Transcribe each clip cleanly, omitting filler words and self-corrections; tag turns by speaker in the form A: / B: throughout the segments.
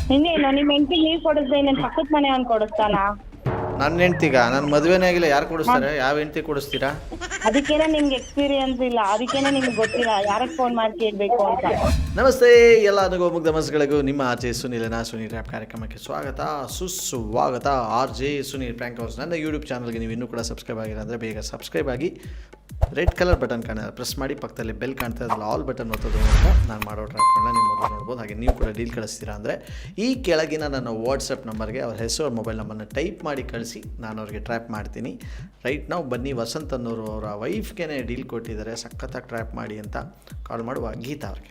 A: ಇನ್ನೇನು ನಿಮ್ಮ ಹೆಂಡತಿಗೆ ನೀವ್ ಕೊಡಿಸ್ದೆ ಇನ್ನೇನು ಪಕ್ಕದ ಮನೆ ಅವ್ನು ಕೊಡಿಸ್ತಾನ?
B: ನನ್ನ ಹೆಂಡ್ತಿಗ ನನ್ನ ಮದುವೆನೇ ಆಗಿಲ್ಲ, ಯಾರು ಕೊಡಿಸ್ತಾರೆ? ಯಾವ ಹೆಂಡ್ತಿ ಕೊಡಿಸ್ತೀರಾ?
A: ಅದಕ್ಕೇನೆ ನಿಮ್ಗೆ ಎಕ್ಸ್ಪೀರಿಯನ್ಸ್ ಇಲ್ಲ, ಅದಕ್ಕೇನೆ ನಿಮ್ಗೆ ಗೊತ್ತಿಲ್ಲ ಯಾರಕ್ಕೆ ಫೋನ್ ಮಾಡಿ ಕೇಳ್ಬೇಕು ಅಂತ.
B: ನಮಸ್ತೆ ಎಲ್ಲ ಮುಗ್ಧ ಮನಸ್ಸುಗಳಿಗೂ ನಿಮ್ಮ ಆರ್ ಜೆ ಸುನೀಲನ ಸುನೀಲ್ ರ್ಯಾಪ್ ಕಾರ್ಯಕ್ರಮಕ್ಕೆ ಸ್ವಾಗತ ಸುಸ್ವಾಗತ. R J Sunil prank house ನನ್ನ ಯೂಟ್ಯೂಬ್ ಚಾನಲ್ಗೆ ನೀವು ಇನ್ನೂ ಕೂಡ ಸಬ್ಸ್ಕ್ರೈಬ್ ಆಗಿಲ್ಲ ಅಂದರೆ ಬೇಗ ಸಬ್ಸ್ಕ್ರೈಬ್ ಆಗಿ. ರೆಡ್ ಕಲರ್ ಬಟನ್ ಪ್ರೆಸ್ ಮಾಡಿ, ಪಕ್ಕದಲ್ಲಿ ಬೆಲ್ ಕಾಣ್ತಾ ಇದ್ರಲ್ಲ ಆಲ್ ಬಟನ್ ಒತ್ತೋದು ಮೂಲಕ ನಾನು ಮಾಡೋ ಟ್ರ್ಯಾಪ್ಗಳನ್ನ ನಿಮ್ಮ ಮೊದಲು ನೋಡ್ಬೋದು. ಹಾಗೆ ನೀವು ಕೂಡ ಡೀಲ್ ಕಳಿಸ್ತೀರಾ ಅಂದರೆ ಈ ಕೆಳಗಿನ ನನ್ನ ವಾಟ್ಸಪ್ ನಂಬರ್ಗೆ ಅವ್ರ ಹೆಸರು ಅವ್ರ ಮೊಬೈಲ್ ನಂಬರ್ನ ಟೈಪ್ ಮಾಡಿ ಕಳಿಸಿ, ನಾನು ಅವ್ರಿಗೆ ಟ್ರ್ಯಾಪ್ ಮಾಡ್ತೀನಿ. ರೈಟ್ ನಾವು ಬನ್ನಿ, ವಸಂತ್ ಅನ್ನೋರು ಅವರ ವೈಫ್ಗೆ ಡೀಲ್ ಕೊಟ್ಟಿದ್ದಾರೆ ಸಖತ್ತಾಗಿ ಟ್ರ್ಯಾಪ್ ಮಾಡಿ ಅಂತ. ಕಾಲ್ ಮಾಡುವ ಗೀತಾ ಅವ್ರಿಗೆ.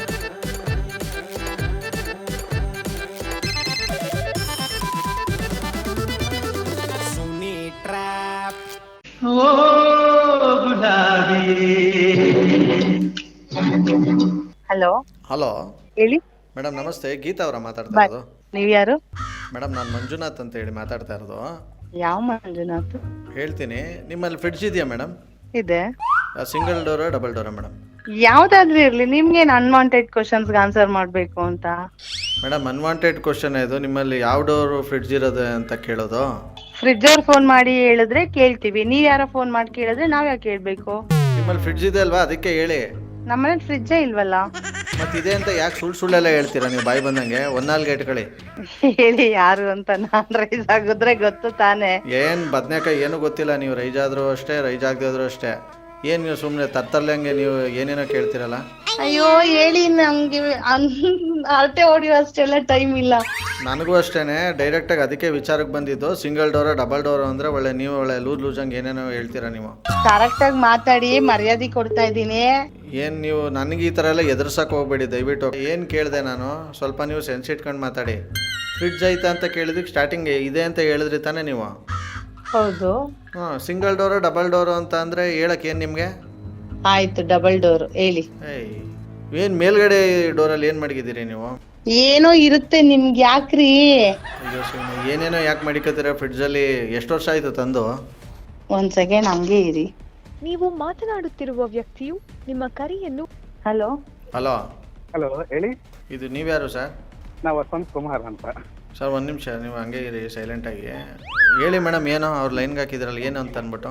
A: ಹಲೋ
B: ಹಲೋ
A: ಹೇಳಿ
B: ಮೇಡಮ್, ನಮಸ್ತೆ. ಗೀತಾ ಅವರ ಮಾತಾಡ್ತಾ ಇರೋದು?
A: ನೀವ್ ಯಾರು?
B: ಮೇಡಮ್ ನಾನು ಮಂಜುನಾಥ್ ಅಂತ ಹೇಳಿ ಮಾತಾಡ್ತಾ ಇರೋದು.
A: ಯಾವ ಮಂಜುನಾಥ್?
B: ಹೇಳ್ತೀನಿ. ನಿಮ್ಮಲ್ಲಿ ಫ್ರಿಡ್ಜ್ ಇದೆಯಾ ಮೇಡಮ್?
A: ಇದೆ.
B: ಸಿಂಗಲ್ ಡೋರಾ ಡಬಲ್ ಡೋರಾ ಮೇಡಮ್?
A: ಯಾವ್ದಾದ್ರೂ ಇರ್ಲಿ, ನಿಮ್ಗೇನ್ ಅನ್ವಾಂಟೆಡ್ ಕ್ವಶನ್ಸ್ಗೆ ಆನ್ಸರ್ ಮಾಡ್ಬೇಕು ಅಂತ?
B: ಮೇಡಮ್ ಅನ್ವಾಂಟೆಡ್ ಕ್ವಶನ್ ಇದು. ನಿಮ್ಮಲ್ಲಿ ಯಾವ ಡೋರು ಫ್ರಿಡ್ಜ್ ಇರೋದು ಅಂತ ಕೇಳೋದು?
A: ಫ್ರಿಡ್ಜ್ ಅವ್ರು ಫೋನ್ ಮಾಡಿ ಹೇಳಿದ್ರೆ ಕೇಳ್ತೀವಿ, ನೀವ್ ಯಾರೋ ಫೋನ್ ಮಾಡಿ ಕೇಳಿದ್ರೆ ನಾವ್ ಯಾಕೆ ಕೇಳ್ಬೇಕು?
B: ನಿಮ್ಮಲ್ಲಿ ಫ್ರಿಡ್ಜ್ ಇದೆ ಅಲ್ವಾ, ಅದಕ್ಕೆ ಹೇಳಿ.
A: ನಮ್ಮನೇಲಿ ಫ್ರಿಡ್ಜೇ ಇಲ್ವಲ್ಲ.
B: ಮತ್ತಿದೆ ಅಂತ ಯಾಕೆ ಸುಳ್ಳೆಲ್ಲ ಹೇಳ್ತೀರಾ ನೀವು ಬಾಯಿ ಬಂದಂಗೆ? ಒಂದಾಲ್ಗೆ ಇಟ್ಕೊಳ್ಳಿ.
A: ಹೇಳಿ ಯಾರು ಅಂತ, ನಾನ್ ರೈಸ್ ಆಗಿದ್ರೆ ಗೊತ್ತು ತಾನೆ.
B: ಏನು ಬದನೇಕಾಯಿ ಏನು ಗೊತ್ತಿಲ್ಲ ನೀವು. ರೈಜ್ ಆದರೂ ಅಷ್ಟೇ, ರೈಜ್ ಆಗದಿದ್ರು ಅಷ್ಟೇ. ಏನು ನೀವು ಸುಮ್ಮನೆ ತರ್ತರ್ಲಂಗೆ ನೀವು ಏನೇನೋ ಕೇಳ್ತೀರಲ್ಲ?
A: ಅಯ್ಯೋ ಹೇಳಿ, ನಮ್ಗೆ ಅಳತೆ ಹೊಡಿಯೋ ಅಷ್ಟೆಲ್ಲ ಟೈಮ್ ಇಲ್ಲ.
B: ನನಗೂ ಅಷ್ಟೇ ಡೈರೆಕ್ಟಾಗಿ ಅದಕ್ಕೆ ವಿಚಾರಕ್ಕೆ ಬಂದಿದ್ದು. ಸಿಂಗಲ್ ಡೋರ ಡಬಲ್ ಡೋರ್ ಅಂದರೆ ಒಳ್ಳೆ ನೀವು ಒಳ್ಳೆ ಲೂಜಂಗೆ ಏನೇನೋ ಹೇಳ್ತೀರಾ ನೀವು.
A: ಕರೆಕ್ಟಾಗಿ ಮಾತಾಡಿ, ಮರ್ಯಾದೆ ಕೊಡ್ತಾ ಇದ್ದೀನಿ.
B: ಏನು ನೀವು ನನಗೆ ಈ ಥರ ಎಲ್ಲ ಎದುರ್ಸಕ್ಕೆ ಹೋಗ್ಬೇಡಿ ದಯವಿಟ್ಟು. ಏನು ಕೇಳಿದೆ ನಾನು? ಸ್ವಲ್ಪ ನೀವು ಸೆನ್ಸ್ ಇಟ್ಕೊಂಡು ಮಾತಾಡಿ. ಫ್ರಿಡ್ಜ್ ಐತಾ ಅಂತ ಕೇಳಿದಕ್ಕೆ ಸ್ಟಾರ್ಟಿಂಗ್ ಇದೆ ಅಂತ ಹೇಳಿದ್ರಿ ತಾನೇ ನೀವು?
A: ಹೌದು.
B: ಹಾಂ, ಸಿಂಗಲ್ ಡೋರು ಡಬಲ್ ಡೋರು ಅಂತ ಅಂದರೆ ಹೇಳಕ್ಕೆ ಏನು ನಿಮಗೆ?
A: ಆಯ್ತು, ಡಬಲ್ ಡೋರ್ ಹೇಳಿ.
B: ಏಯ್, ಏನು ಮೇಲ್ಗಡೆ ಡೋರಲ್ಲಿ ಏನು ಮಡಗಿದ್ದೀರಿ ನೀವು?
A: ಏನೋ ಇರುತ್ತೆ ನಿಮ್ಗೆ, ಯಾಕ್ರಿ?
B: ಅಯ್ಯೋ ಸುಮ್ಮನೆ ಏನೇನೋ ಯಾಕೆ ಮಡಿಕತ್ತೀರ ಫ್ರಿಡ್ಜಲ್ಲಿ? ಎಷ್ಟು ವರ್ಷ ಆಯಿತು ತಂದು?
A: ಒಂದ್ ಸೆಕೆಂಡ್ ಹಂಗೆ ಇರಿ.
C: ನೀವು ಮಾತನಾಡುತ್ತಿರುವ ವ್ಯಕ್ತಿಯು ನಿಮ್ಮ ಕರೆಯನ್ನು.
A: ಹಲೋ
B: ಹಲೋ
D: ಹಲೋ ಹೇಳಿ.
B: ಇದು ನೀವ್ಯಾರು ಸರ್?
D: ನಾವು ವಸಂತ್ ಕುಮಾರ್ ಅಂತ.
B: ಸರ್ ಒಂದು ನಿಮಿಷ ನೀವು ಹಂಗೆ ಇರಿ ಸೈಲೆಂಟಾಗಿ. ಹೇಳಿ ಮೇಡಮ್, ಏನೋ ಅವ್ರು ಲೈನ್ಗೆ ಹಾಕಿದ್ರಲ್ಲ ಏನು ಅಂತ ಅಂದ್ಬಿಟ್ಟು.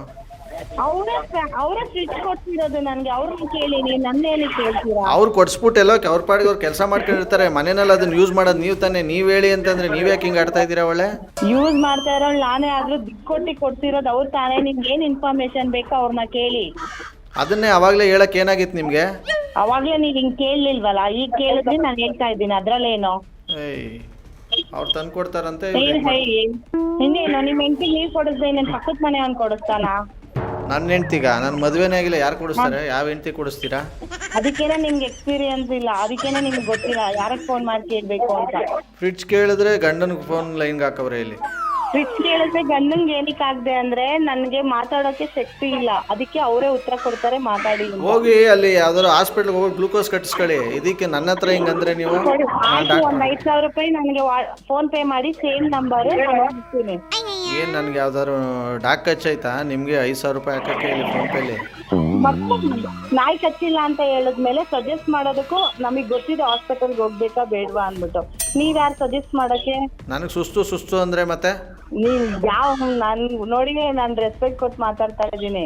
A: ಅವರೇ ಫ್ರಿಡ್ಜ್ ಕೊಡ್ತಿರೋದು ನನ್ಗೆ, ಅವ್ರನ್ನ ಕೇಳಿ, ನೀವು ನನ್ನೇನು ಕೇಳ್ತೀರಾ?
B: ಅವ್ರು ಕೊಡ್ಸ್ಬಿಟ್ಟು ಎಲ್ಲೋ ಅವ್ರ ಪಾಡಿಗೆ ಅವ್ರು ಕೆಲಸ ಮಾಡ್ಕೊಂಡಿರ್ತಾರೆ. ಮನೆಯಲ್ಲಿ ಅದನ್ನ ಯೂಸ್ ಮಾಡೋದು ನೀವು ತಾನೇ. ನೀವು ಹೇಳಿ ಅಂತಂದ್ರೆ ನೀವು ಯಾಕೆ ಹಿಂಗೆ ಆಡ್ತಾ ಇದ್ದೀರಾ? ಒಳ್ಳೆ
A: ಯೂಸ್ ಮಾಡ್ತಾ ಇರೋಳು ನಾನೇ, ಆದ್ರೂ ದುಡ್ಡು ಕೊಟ್ಟು ಕೊಡ್ತಿರೋದು ಅವ್ರು ತಾನೇ. ನಿಮ್ಗೆ ಏನ್ ಇನ್ಫಾರ್ಮೇಶನ್ ಬೇಕೋ ಅವ್ರನ್ನ ಕೇಳಿ.
B: ಅದನ್ನೇ ಅವಾಗಲೇ ಹೇಳಕ್ಕೆ ಏನಾಗಿತ್ತು ನಿಮಗೆ?
A: ಅವಾಗ್ಲೇ ನೀವ್ ಹಿಂಗ್ ಕೇಳಲಿಲ್ವಲ್ಲ, ಈಗ ಕೇಳಿದ್ರೆ ನಾನು ಹೇಳ್ತಾ ಇದ್ದೀನಿ, ಅದ್ರಲ್ಲೇನು?
B: ಏಯ್, ಅವ್ರು ತಂದು ಕೊಡ್ತಾರಂತೆ.
A: ಇನ್ನೇನು ನಿಮ್ಮ ಹೆಂಡತಿಗೆ ನೀವ್ ಕೊಡಿಸ್ದೆ ಇನ್ನೇನು ಪಕ್ಕದ ಮನೆ ಅವ್ನು ಕೊಡಿಸ್ತಾನ?
B: ನನ್ನ ಹೆಂಡ್ತಿಗ ನನ್ನ ಮದುವೆನೇ ಆಗಿಲ್ಲ, ಯಾರು ಕೊಡಿಸ್ತಾರೆ? ಯಾವ ಹೆಂಡ್ತಿ ಕೊಡಿಸ್ತೀರಾ?
A: ಅದಕ್ಕೇನೆ ನಿಮ್ಗೆ ಎಕ್ಸ್ಪೀರಿಯನ್ಸ್ ಇಲ್ಲ, ಅದಕ್ಕೇನೆ ನಿಮ್ಗೆ ಗೊತ್ತಿಲ್ಲ ಯಾರಕ್ಕೆ ಫೋನ್ ಮಾಡಿ ಕೇಳ್ಬೇಕು ಅಂತ.
B: ಫ್ರಿಡ್ಜ್ ಕೇಳಿದ್ರೆ ಗಂಡನಿಗೆ ಫೋನ್ ಲೈನ್ಗೆ ಹಾಕವ್ರೆ ಇಲ್ಲಿ.
A: ಫ್ರಿಡ್ಜ್ ಕೇಳಿದ್ರೆ ಗಂಡಂಗೆ ಏನಕ್ಕೆ ಆಗದೆ ಅಂದ್ರೆ ನನ್ಗೆ ಮಾತಾಡೋಕೆ ಶಕ್ತಿ ಇಲ್ಲ, ಅದಕ್ಕೆ ಅವರೇ ಉತ್ತರ ಕೊಡ್ತಾರೆ, ಮಾತಾಡಿ.
B: ಹೋಗಿ ಅಲ್ಲಿ ಯಾವ್ದಾದ್ರು ಹಾಸ್ಪಿಟ್ಲ್ಗೆ ಹೋಗಿ ಗ್ಲೂಕೋಸ್ ಕಟ್ಟಿಸ್ಕೊಳ್ಳಿ. ಇದಕ್ಕೆ ನನ್ನ ಹತ್ರ ಹಿಂಗಂದ್ರೆ ನೀವು?
A: ಆಯ್ತು, ಒಂದ್ 5,000 ರೂಪಾಯಿ ನನಗೆ ಫೋನ್ ಪೇ ಮಾಡಿ, ಸೇಮ್ ನಂಬರ್ ಹಾಕ್ತೀನಿ.
B: ಏನು ನನಗೆ ಯಾವ್ದಾದ್ರು ಡಾಕ್ ಹಚ್ಚಾಯ್ತಾ ನಿಮಗೆ? 5,000 ರೂಪಾಯಿ ಹಾಕಕ್ಕೆ ಇಲ್ಲಿ ಫೋನ್ ಪೇಲಿ.
A: ಮತ್ತೆ ನಾಯಿ ಕಚ್ಚಿಲ್ಲ ಅಂತ ಹೇಳಿದ್ಮೇಲೆ ಸಜೆಸ್ಟ್ ಮಾಡೋದಕ್ಕೂ ನಮಗ್ ಗೊತ್ತಿದೆ ಹಾಸ್ಪಿಟಲ್ಗೆ ಹೋಗ್ಬೇಕಾ ಬೇಡವಾ ಅಂದ್ಬಿಟ್ಟು. ನೀವ್ ಯಾರು ಸಜೆಸ್ಟ್ ಮಾಡಕ್ಕೆ?
B: ನನಗೆ ಸುಸ್ತು ಅಂದರೆ ಮತ್ತೆ
A: ನೀವ್ ನಾನ್ ನೋಡಿ ನಾನ್ ರೆಸ್ಪೆಕ್ಟ್ ಕೊಟ್ಟು ಮಾತಾಡ್ತಾ ಇದ್ದೀನಿ.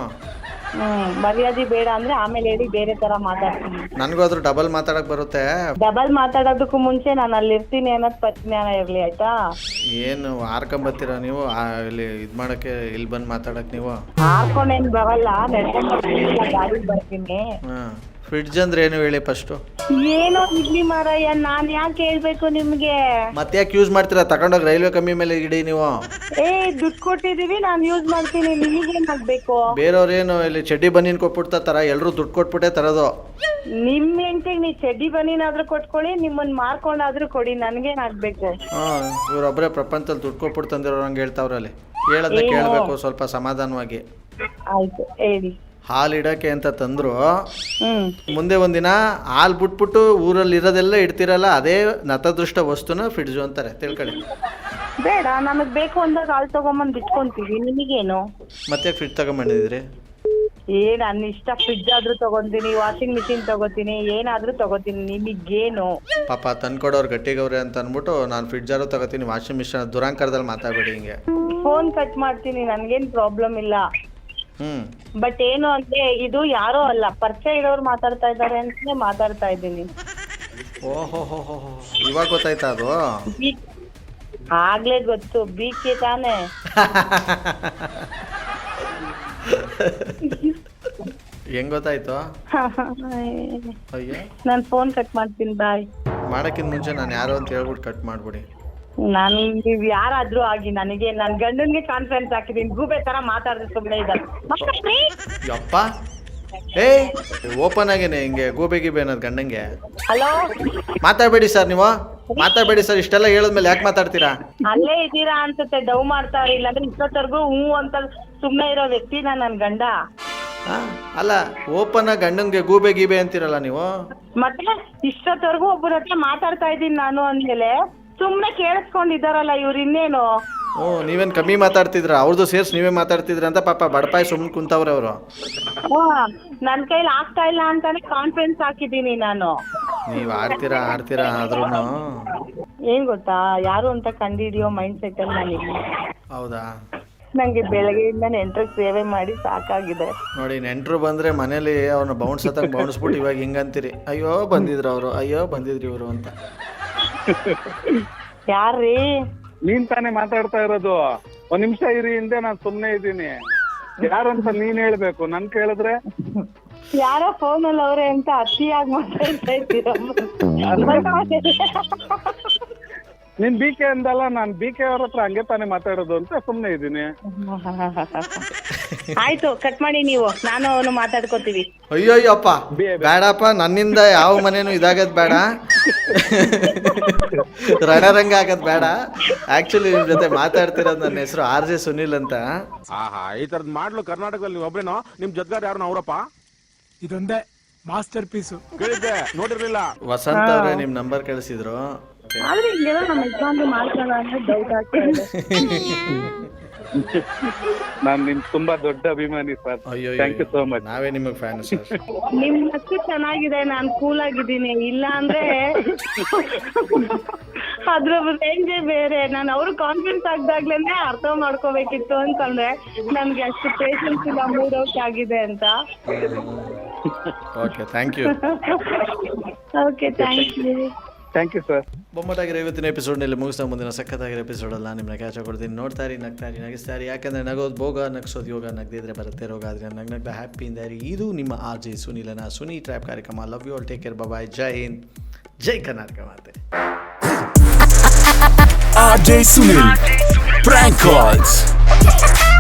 A: ಮರ್ಯಾದೆ ಬೇಡ ಅಂದ್ರೆ ಆಮೇಲೆ ಹೇಳಿ, ಬೇರೆ ತರ ಮಾತಾಡ್ತೀನಿ.
B: ನನಗೂ ಅದ್ರ ಡಬಲ್ ಮಾತಾಡಕ್ ಬರುತ್ತೆ.
A: ಡಬಲ್ ಮಾತಾಡೋದಕ್ಕೂ ಮುಂಚೆ ನಾನು ಅಲ್ಲಿ ಇರ್ತೀನಿ ಅನ್ನೋದು ಪರಿಜ್ಞಾನ ಇರ್ಲಿ, ಆಯ್ತಾ?
B: ಏನು ಹಾರ್ಕೊಂಬತ್ತೀರಾ ನೀವು ಇಲ್ಲಿ ಇದು ಮಾಡಕ್ಕೆ? ಇಲ್ಲಿ ಬಂದು ಮಾತಾಡಕ್ ನೀವು
A: ಹಾರ್ಕೊಂಡೇನ್ ಬರಲ್ಲ, ನಡ್ಕೊಂಡು ಗಾಡಿಗೆ ಬರ್ತೀನಿ.
B: ಫ್ರಿಡ್ಜ್ ಅಂದ್ರೆ ಏನು ಹೇಳಿ ಫಸ್ಟು?
A: ಏನೋ ಇಡ್ಲಿ ಮಾರಾಯ, ನಾನ್ ಯಾಕೆ ಹೇಳ್ಬೇಕು ನಿಮ್ಗೆ?
B: ಮತ್ತೆ ಯಾಕೆ ಯೂಸ್ ಮಾಡ್ತೀರಾ? ತಗೊಂಡೋಗಿ ರೈಲ್ವೆ ಕಮ್ಮಿ ಮೇಲೆ ಇಡಿ ನೀವು.
A: ದುಡ್ಡು ಕೊಟ್ಟಿದೀವಿ, ನಾನ್ ಯೂಸ್ ಮಾಡ್ತೀನಿ, ನಿಮಗೇನ್ ಆಗ್ಬೇಕು?
B: ಬೇರೆಯವ್ರೇನು ಇಲ್ಲಿ ಚಡ್ಡಿ ಬನ್ನೀನ್ ಕೊಟ್ಬಿಡ್ತಾರ, ಎಲ್ಲರೂ ದುಡ್ಡು ಕೊಟ್ಬಿಟ್ಟೆ ತರೋದು.
A: ನಿಮ್ ಹೆಂಡತಿಗೆ ನೀ ಚಡ್ಡಿ ಬನ್ನೀನಾದ್ರೂ ಕೊಟ್ಕೊಳ್ಳಿ, ನಿಮ್ಮನ್ನ ಮಾರ್ಕೊಂಡಾದ್ರೂ ಕೊಡಿ, ನನ್ಗೇನ್ ಆಗ್ಬೇಕು?
B: ಇವ್ರೊಬ್ಬರೇ ಪ್ರಪಂಚದಲ್ಲಿ ದುಡ್ಡು ಕೊಟ್ಬಿಟ್ಟು ತಂದಿರೋರಂಗೆ ಹೇಳ್ತಾವ್ರಲ್ಲಿ. ಹೇಳೋದನ್ನ ಕೇಳಬೇಕು ಸ್ವಲ್ಪ ಸಮಾಧಾನವಾಗಿ.
A: ಆಯ್ತು ಹೇಳಿ.
B: ಹಾಲು ಇಡಕ್ಕೆ ಅಂತ ತಂದ್ರು. ಮುಂದೆ ಒಂದಿನ ಹಾಲು ಬಿಟ್ಬಿಟ್ಟು ಊರಲ್ಲಿ ಇರೋದೆಲ್ಲ ಇಡ್ತಿರಲ್ಲ, ಅದೇ ನತದೃಷ್ಟ ವಸ್ತುನ ಫ್ರಿಡ್ಜು ಅಂತಾರೆ, ತಿಳ್ಕೊಳ್ಳಿ.
A: ಬೇಡ, ನಮಗ್ ಬೇಕು ಅಂದಾಗ ಹಾಲು ತಗೊಂಬಂದ್ ಬಿಟ್ಕೊಂತೀವಿ, ನಿಮಗೇನು?
B: ಮತ್ತೆ ಫ್ರಿಡ್ಜ್ ತಗೊಂಬಂದಿದ್ರಿ?
A: ನನ್ನ ಇಷ್ಟ ಫ್ರಿಡ್ಜ್ ಆದ್ರೂ ತಗೊಂತೀನಿ, ವಾಷಿಂಗ್ ಮಿಷಿನ್ ತಗೋತೀನಿ, ಏನಾದ್ರೂ ತಗೋತೀನಿ, ನಿಮಗೇನು?
B: ಪಾಪ ತಂದ್ಕೊಡೋರು ಗಟ್ಟಿಗವ್ರೆ ಅಂತ ಅಂದ್ಬಿಟ್ಟು ನಾನು ಫ್ರಿಡ್ಜಾರು ತಗೋತೀನಿ, ವಾಷಿಂಗ್ ಮಿಷನ್ ದುರಾಂಕಾರದಲ್ಲಿ ಮಾತಾಡಬೇಡಿ ಹಿಂಗೆ.
A: ಫೋನ್ ಕಟ್ ಮಾಡ್ತೀನಿ, ನನ್ಗೇನ್ ಪ್ರಾಬ್ಲಮ್ ಇಲ್ಲ. ಬಟ್ ಏನು ಅಂದ್ರೆ ಇದು ಯಾರೋ ಅಲ್ಲ, ಪರಿಚಯ ಇರೋರು ಮಾತಾಡ್ತಾ ಇದ್ದಾರೆ ಅಂತಾನೆ ಮಾತಾಡ್ತಾ ಇದ್ದೀನಿ.
B: ಓಹೋ ಇವಾಗ ಗೊತ್ತಾಯ್ತಾ ಅದು?
A: ಆಗ್ಲೇ ಗೊತ್ತು, ಬೀಕೆ ತಾನೆ.
B: ಹೆಂಗ್ ಗೊತ್ತಾಯ್ತು? ಅಯ್ಯೋ
A: ನಾನ್ ಫೋನ್ ಕಟ್ ಮಾಡ್ತೀನಿ, ಬಾಯ್.
B: ಮಾಡಕ್ಕಿಂತ ಮುಂಚೆ ನಾನು ಯಾರು ಅಂತ ಹೇಳ್ಬಿಟ್ಟು ಕಟ್ ಮಾಡ್ಬಿಡಿ.
A: ನೀವ್ ಯಾರಾದ್ರೂ ಆಗಿ ನನಗೆ ನನ್ ಗಂಡನ್ಗೆ ಕಾನ್ಫಿಡೆನ್ಸ್ ಹಾಕಿದೀನಿ, ಗೂಬೆ ತರ ಮಾತಾಡಿದ್ರೆ ಸುಮ್ಮನೆ ಇದ್ದಾರೆ.
B: ಯಪ್ಪ ಏ ಓಪನ್ ಆಗೇನೆ ಹಿಂಗೆ ಗೂಬೆ ಗೀಬೆ ಅನ್ನೋದು ಗಂಡಂಗೆ.
A: ಹಲೋ,
B: ಮಾತಾಡ್ಬೇಡಿ ಸರ್, ನೀವು ಮಾತಾಡ್ಬೇಡಿ ಸರ್. ಇಷ್ಟೆಲ್ಲ ಹೇಳಿದ್ಮೇಲೆ ಯಾಕೆ ಮಾತಾಡ್ತೀರಾ?
A: ಅಲ್ಲೇ ಇದ್ದೀರಾ ಅನ್ಸುತ್ತೆ, ಡವ್ ಮಾಡ್ತಾವ್ರಿ. ಇಲ್ಲಾಂದ್ರೆ ಇಷ್ಟೊತ್ತರ್ಗು ಅಂತ ಸುಮ್ನೆ ಇರೋ ವ್ಯಕ್ತಿನ ನನ್ ಗಂಡ.
B: ಅಲ್ಲ ಓಪನ್ ಆಗಿ ಗಂಡನ್ಗೆ ಗೂಬೆ ಗೀಬೆ ಅಂತೀರಲ್ಲ ನೀವು.
A: ಮತ್ತೆ ಇಷ್ಟೊತ್ತರ್ಗು ಒಬ್ಬರ ಹತ್ರ ಮಾತಾಡ್ತಾ ಇದ್ದೀನಿ ನಾನು ಅಂದ್ಮೇಲೆ ಸುಮ್ನೆ ಕೇಳಿಸ್ಕೊಂಡಿದಾರಲ್ಲ ಇವ್ರು, ಇನ್ನೇನು?
B: ನೀವೇನ್ ಕಮ್ಮಿ ಮಾತಾಡ್ತಿದ್ರ? ಅವ್ರದ್ದು ಸೇರ್ಸಿ ನೀವೇ ಮಾತಾಡ್ತಿದ್ರ ಅಂತ ಪಾಪ ಬಡಪಾಯಿ ಸುಮ್ಮನೆ ಕುಂತವ್ರೆ ಅವರು.
A: ನನ್ ಕೈಲಿ ಆಗ್ತಾ ಇಲ್ಲ ಅಂತಾನೆ ಕಾನ್ಫಿಡೆನ್ಸ್ ಹಾಕಿದೀನಿ ನಾನು.
B: ನೀವ್ ಆಡ್ತೀರಾ ಆದ್ರೂ
A: ಏನ್ ಗೊತ್ತಾ, ಯಾರು ಅಂತ ಕಂಡಿಡಿಯೋ ಮೈಂಡ್ ಸೆಟ್ ಅಲ್ಲಿ ನಾನಿಲ್ಲ.
B: ಹೌದಾ?
A: ನಂಗೆ ಬೆಳಗ್ಗೆಯಿಂದ ನೆಂಟ್ರಿಗೆ ಸೇವೆ ಮಾಡಿ ಸಾಕಾಗಿದೆ.
B: ನೋಡಿ, ನೆಂಟ್ರು ಬಂದ್ರೆ ಮನೇಲಿ ಅವ್ರನ್ನ ಬೌನ್ಸ್ ಹತ್ತಂಗ್ ಬೌನ್ಸ್ಬಿಟ್ಟು ಇವಾಗ ಹಿಂಗಂತೀರಿ, ಅಯ್ಯೋ ಬಂದಿದ್ರು ಅವರು, ಅಯ್ಯೋ ಬಂದಿದ್ರಿ ಇವರು ಅಂತ.
A: ಯಾರ್ರೀ?
D: ನೀನ್ ತಾನೇ ಮಾತಾಡ್ತಾ ಇರೋದು. ಒಂದ್ ನಿಮಿಷ ಇರಿ, ಹಿಂದೆ ನಾನು ಸುಮ್ನೆ ಇದ್ದೀನಿ. ಯಾರಂತ ನೀನ್ ಹೇಳ್ಬೇಕು, ನನ್ ಕೇಳಿದ್ರೆ
A: ಯಾರೋ ಫೋನ್ ಅಲ್ಲಿ ಅವ್ರೆ ಅಂತ ಅತಿಯಾಗಿ ಮಾತಾಡ್ತಾ ಇದ್ದೀರ.
D: ನೀನ್ ಬಿ ಕೆ ಅಂದಲ್ಲ, ನಾನ್ ಬಿ ಕೆ ಅವ್ರ ಹತ್ರ ಹಂಗೆ ತಾನೇ ಮಾತಾಡೋದು ಅಂತ ಸುಮ್ನೆ ಇದ್ದೀನಿ.
A: ಆಯ್ತು, ಕಟ್ ಮಾಡಿ ನೀವು, ನಾನು ಅವನು ಮಾತಾಡ್ಕೋತೀವಿ.
B: ಅಯ್ಯೋಯ್ಯಪ್ಪ ಬೇಡಪ್ಪ, ನನ್ನಿಂದ ಯಾವ ಮನೇನು ಇದಾಗದ್ ಬೇಡ, ರಣರಂಗ ಆಗದ್ ಬೇಡ. ಆಕ್ಚುಲಿ ನಿಮ್ ಜೊತೆ ಮಾತಾಡ್ತಿರೋದು, ನನ್ನ ಹೆಸರು RJ ಸುನಿಲ್ ಅಂತ.
E: ಈ ತರದ್ ಮಾಡ್ಲು ಕರ್ನಾಟಕದಲ್ಲಿ ನೀವು ಒಬ್ರೇನೋ? ನಿಮ್ ಜೊತೆಗಾರ ಯಾರು ಅವರಪ್ಪ?
F: ಇದೊಂದೇ ಮಾಸ್ಟರ್ ಪೀಸು.
E: ಕೇಳಿದ್ದೆ, ನೋಡಿರ್ಲಿಲ್ಲ.
B: ವಸಂತ ಅವ್ರೆ ನಿಮ್ ನಂಬರ್ ಕಳಿಸಿದ್ರು.
A: ಆದ್ರೆ ಹಿಂಗೆಲ್ಲ ನಮ್ಮ ಯಜಮಾನ್ರು ಮಾಡ್ತಾರ ಅಂದ್ರೆ ಡೌಟ್ ಆಗ್ತಾ ಇದೆ.
D: ನಾನ್ ನಿಮ್ ತುಂಬಾ ದೊಡ್ಡ ಅಭಿಮಾನಿ ಸರ್.
B: ಅಯ್ಯೋ
D: ಥ್ಯಾಂಕ್ ಯು ಸೋ ಮಚ್.
B: ನಾವೇ ನಿಮಗ್ ಫ್ಯಾನ್ ಸರ್.
A: ನಿಮ್ ನಕ್ಕು ಚೆನ್ನಾಗಿದೆ, ನಾನ್ ಕೂಲ್ ಆಗಿದ್ದೀನಿ. ಇಲ್ಲ ಅಂದ್ರೆ ಅದ್ರ ರೇಂಜೇ ಬೇರೆ. ನಾನು ಅವ್ರು ಕಾನ್ಫಿಡೆನ್ಸ್ ಆಗ್ದಾಗ್ಲೇನೆ ಅರ್ಥ ಮಾಡ್ಕೋಬೇಕಿತ್ತು ಅಂತಂದ್ರೆ ನನ್ಗೆ ಅಷ್ಟು ಪೇಷನ್ಸ್ ಇಲ್ಲ, ಮೂಡ್ ಔಟ್ ಆಗಿದೆ ಅಂತ.
B: Okay, thank you.
A: Okay, thank you.
D: Thank you sir.
B: ಬೊಮ್ಮಟಾಗಿರೋ ಇವತ್ತಿನ ಎಪಿಸೋಡ್ನಲ್ಲಿ ಮುಗಿಸ್ತಾ ಮುಂದಿನ ಸಖತ್ತಾಗಿರೋ ಎಪಿಸೋಡಲ್ಲ ನಿಮ್ಮನ್ನ ಕ್ಯಾಚ್ ಕೊಡ್ತೀನಿ. ನೋಡ್ತಾರಿ, ನಗ್ತಾರಿ, ನಗಿಸ್ತಾರಿ. ಯಾಕಂದರೆ ನಗೋದು ಭೋಗ, ನಗಿಸೋದು ಯೋಗ, ನಗದಿದ್ರೆ ಬರುತ್ತೆ ರೋಗ. ಆದರೆ ನಗ್ನಗ್ದ ಹ್ಯಾಪಿಯಿಂದ ಇರಿ. ಇದು ನಿಮ್ಮ RJ ಸುನಿಲನ ಸುನಿ ಟ್ರ್ಯಾಪ್ ಕಾರ್ಯಕ್ರಮ. Love you all, take care, bye. ಜೈ ಹಿಂದ್, ಜೈ ಕರ್ನಾಟಕ ಮಾತೆ.
G: RJ Sunil Prank Calls.